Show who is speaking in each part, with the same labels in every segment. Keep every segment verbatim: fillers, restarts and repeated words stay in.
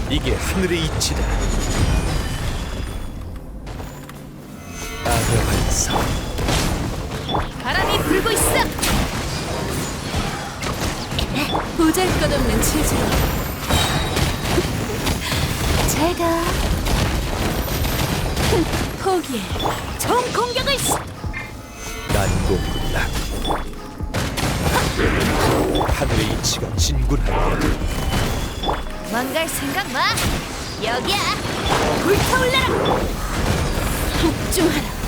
Speaker 1: 이게 하늘의 이치다. 악의 반사.
Speaker 2: 바람이 불고 있어. 보잘것없는 체질. 제가 포기해. 총 공격을 시.
Speaker 1: 난공불락. 하늘의 이치가 진군한다.
Speaker 2: 망갈 생각 마. 여기야. 불타올라라. 복종하라.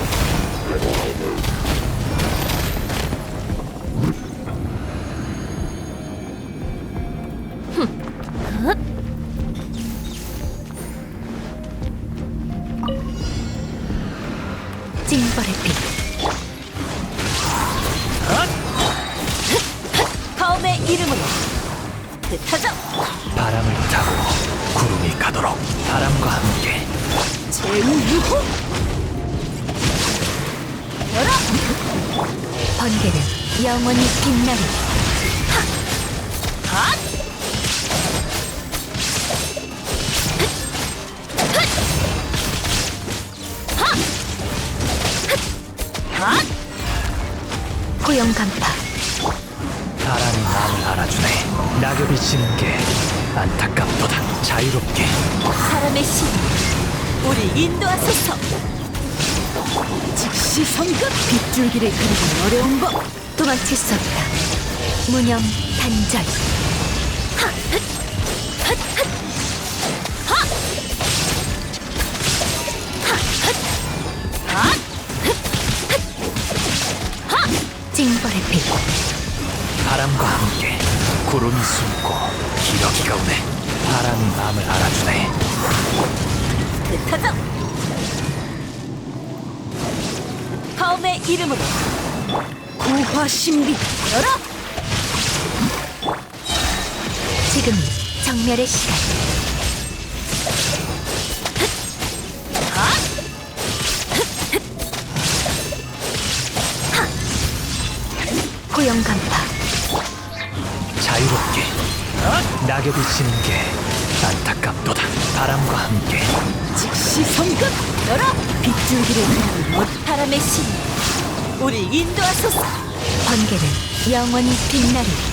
Speaker 2: 징벌의 빛. 검의 이름으로 흩어져.
Speaker 1: 바람을 타고 구름이 가도록 바람과 함께.
Speaker 2: 제우유호. 열어. 번개는 영원히 빛나리. 하! 핫! 핫! 고용 간파.
Speaker 1: 바람이 마음을 알아주네. 낙엽이 지는 게 안타깝도다. 자유롭게.
Speaker 2: 사람의 신, 우리 인도하소서. 즉시 성급. 빗줄기를 그리기 어려운 법. 도망칠 수 없다. 무념 단절. 하! 흣! 흣! 흣! 하! 하! 흣! 하! 흣! 흣! 하! 징벌의 빛.
Speaker 1: 바람과 함께 구름이 숨고 기러기가 오네. 바람이 마음을 알아주네.
Speaker 2: 흩어져. 검의 이름으로 구화신비. 열어. 지금이 정멸의 시간. 하! 하! 고용 간파.
Speaker 1: 자유롭게. 낙엽이 지는 게 안타깝도다. 바람과 함께.
Speaker 2: 즉시 성급. 열어. 빗줄기를 그리는 못. 바람의 신, 우리 인도하소서. 번개는 영원히 빛나리.